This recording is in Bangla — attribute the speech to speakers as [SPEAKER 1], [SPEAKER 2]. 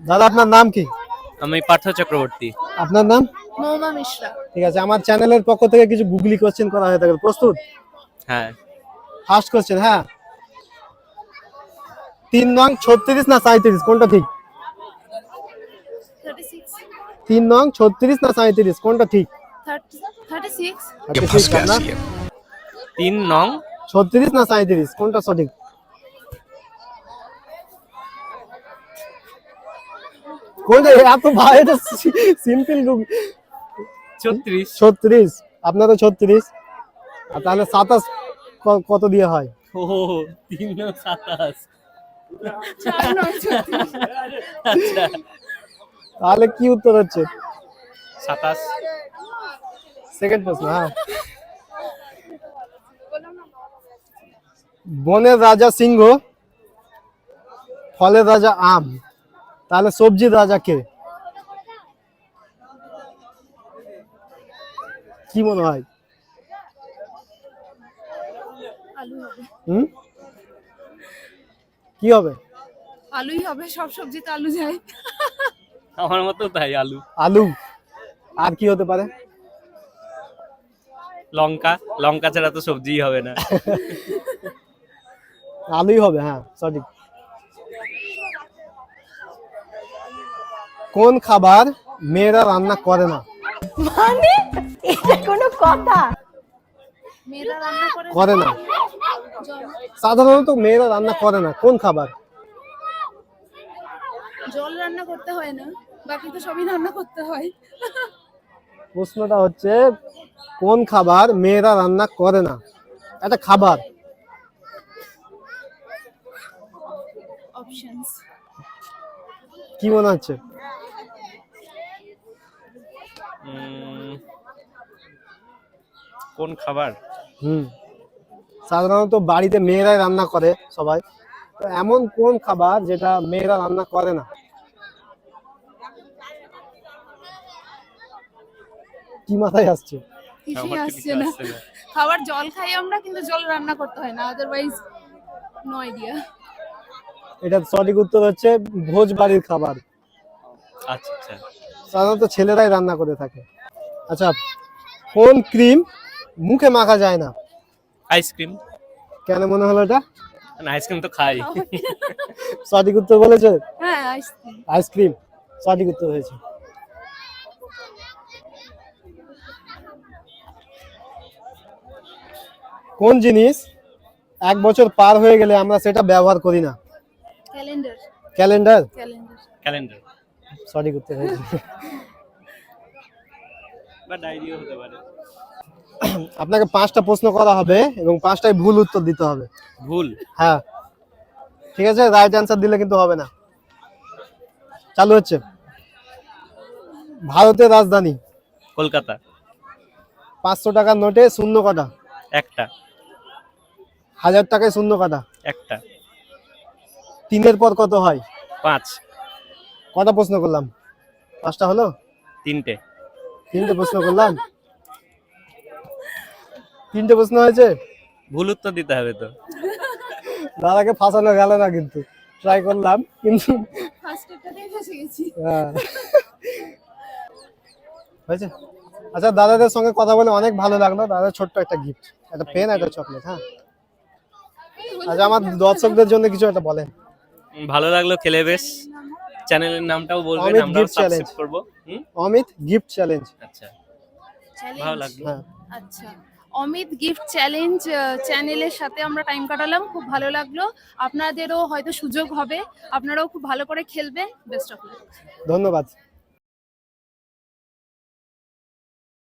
[SPEAKER 1] দাদা আপনার নাম কি?
[SPEAKER 2] আমি পার্থ চক্রবর্তী।
[SPEAKER 1] আপনার নাম?
[SPEAKER 3] মৌমা মিশ্রা।
[SPEAKER 1] ঠিক আছে, আমার চ্যানেলের পক্ষ থেকে কিছু গুগলি কোশ্চেন করা হয়ে থাকে, প্রস্তুত?
[SPEAKER 2] হ্যাঁ।
[SPEAKER 1] ফার্স্ট কোশ্চেন, হ্যাঁ। 3 নং 36 না 37 কোনটা ঠিক?
[SPEAKER 3] 36
[SPEAKER 1] 3 নং 36 না 37 কোনটা ঠিক?
[SPEAKER 3] 36
[SPEAKER 1] আপনার
[SPEAKER 2] 3 নং
[SPEAKER 1] 36 না 37 কোনটা সঠিক? কোনটা এত ভাই, এটা সিম্পল।
[SPEAKER 2] 36।
[SPEAKER 1] 36, আপনার তো 36। আর তাহলে 27 কত দিয়ে হয়?
[SPEAKER 2] ও 3 নং 27।
[SPEAKER 3] 4 নয় 36।
[SPEAKER 2] আচ্ছা
[SPEAKER 1] তাহলে কি উত্তর হচ্ছে?
[SPEAKER 2] 27।
[SPEAKER 1] সেকেন্ড প্রশ্ন, হ্যাঁ। বনের রাজা সিংহ, ফলের রাজা আম, তাহলে সবজির রাজা কে? কি মনে হয়?
[SPEAKER 3] আলু হবে।
[SPEAKER 1] কি হবে?
[SPEAKER 3] আলুই হবে, সব সবজিতে আলু যায়।
[SPEAKER 2] আমার মতো তাই, আলু।
[SPEAKER 1] আলু। আর কি হতে পারে?
[SPEAKER 2] লঙ্কা। লঙ্কা ছাড়া তো সবজিই হবে না।
[SPEAKER 1] আলুই হবে, হ্যাঁ সঠিক। কোন খাবার মেয়েরা রান্না করে না?
[SPEAKER 4] মানে এটা কোনো কথা?
[SPEAKER 3] মেয়েরা রান্না করে
[SPEAKER 1] করে না, সাধারণত মেয়েরা রান্না করে না। কোন খাবার?
[SPEAKER 3] জল রান্না করতে হয় না, বাকি তো সবই রান্না করতে হয়।
[SPEAKER 1] প্রশ্নটা হচ্ছে কোন খাবার মেয়েরা রান্না করে না? একটা খাবার।
[SPEAKER 3] অপশনস
[SPEAKER 1] কি মনে হচ্ছে?
[SPEAKER 2] কোন খাবার?
[SPEAKER 1] সাধারণত বাড়িতে মেয়েরাই রান্না করে সবাই, তো এমন কোন খাবার যেটা মেয়েরা রান্না করে না? কি মাথায় আসছে?
[SPEAKER 3] কিছুই আসছে না। খাবার জল খাই আমরা, কিন্তু জল রান্না করতে হয় না, আদারওয়াইজ নো আইডিয়া।
[SPEAKER 1] এটা সঠিক উত্তর হচ্ছে ভোজ বাড়ির খাবার।
[SPEAKER 2] আচ্ছা আচ্ছা।
[SPEAKER 1] সাধারণত ছেলেরাই রান্না করে থাকে। আচ্ছা, কোন ক্রিম মুখে মাখা যায় না?
[SPEAKER 2] আইসক্রিম।
[SPEAKER 1] কেন মনে হলো এটা?
[SPEAKER 2] না, আইসক্রিম তো খাই।
[SPEAKER 1] সঠিক উত্তর বলেছে
[SPEAKER 3] হ্যাঁ, আইসক্রিম।
[SPEAKER 1] আইসক্রিম, সঠিক উত্তর হয়েছে। কোন জিনিস 1 বছর পার হয়ে গেলে আমরা সেটা ব্যবহার করি না?
[SPEAKER 3] ক্যালেন্ডার।
[SPEAKER 1] Calendar,
[SPEAKER 3] calendar.
[SPEAKER 2] ক্যালেন্ডার
[SPEAKER 1] সঠিক উত্তর হয়েছে।
[SPEAKER 2] বা ডায়েরিও হতে পারে।
[SPEAKER 1] আপনাকে 5টা প্রশ্ন করা হবে এবং 5টাই ভুল উত্তর দিতে হবে।
[SPEAKER 2] ভুল?
[SPEAKER 1] হ্যাঁ, ঠিক আছে, রাইট অ্যান্সার দিলে কিন্তু হবে না। চালু হচ্ছে। ভারতের রাজধানী?
[SPEAKER 2] কলকাতা।
[SPEAKER 1] 500 টাকার নোটে শূন্য কটা?
[SPEAKER 2] একটা।
[SPEAKER 1] 1000 টাকায় শূন্য কটা?
[SPEAKER 2] একটা।
[SPEAKER 1] 3-এর পর কত হয়?
[SPEAKER 2] 5।
[SPEAKER 1] কটা প্রশ্ন করলাম? 5টা হলো?
[SPEAKER 2] 3টে।
[SPEAKER 1] 3টে প্রশ্ন করলাম? 3টে প্রশ্ন হয়েছে।
[SPEAKER 2] ভুল উত্তর দিতে হবে তো।
[SPEAKER 1] দাদাকে ফাঁসানো গেল না, কিন্তু ট্রাই করলাম, কিন্তু
[SPEAKER 3] ফার্স্ট এটাতেই ফেসে গেছি।
[SPEAKER 1] হয়েছে। আচ্ছা, দাদাদের সঙ্গে কথা বলে অনেক ভালো লাগলো। দাদা ছোট্ট একটা গিফট, একটা পেন, একটা চকলেট। হ্যাঁ, আচ্ছা, আমার দর্শকদের জন্য কিছু একটা বলেন।
[SPEAKER 2] ভালো লাগলো খেলে বেশ। চ্যানেলের নামটাও বলবেন,
[SPEAKER 1] অমিত
[SPEAKER 2] আমরাও
[SPEAKER 1] গিফট
[SPEAKER 2] সাবস্ক্রাইব
[SPEAKER 1] চ্যালেঞ্জ।
[SPEAKER 2] করব।
[SPEAKER 1] Amit gift challenge.
[SPEAKER 2] আচ্ছা,
[SPEAKER 3] চ্যালেঞ্জ।
[SPEAKER 2] ভালো লাগলো।
[SPEAKER 1] হ্যাঁ,
[SPEAKER 3] আচ্ছা, অমিত গিফট চ্যালেঞ্জ চ্যানেলের সাথে আমরা টাইম কাটালাম, খুব ভালো লাগলো। আপনাদেরও হয়তো সুযোগ হবে, আপনারাও খুব ভালো করে খেলবেন। Best of luck.
[SPEAKER 1] ধন্যবাদ।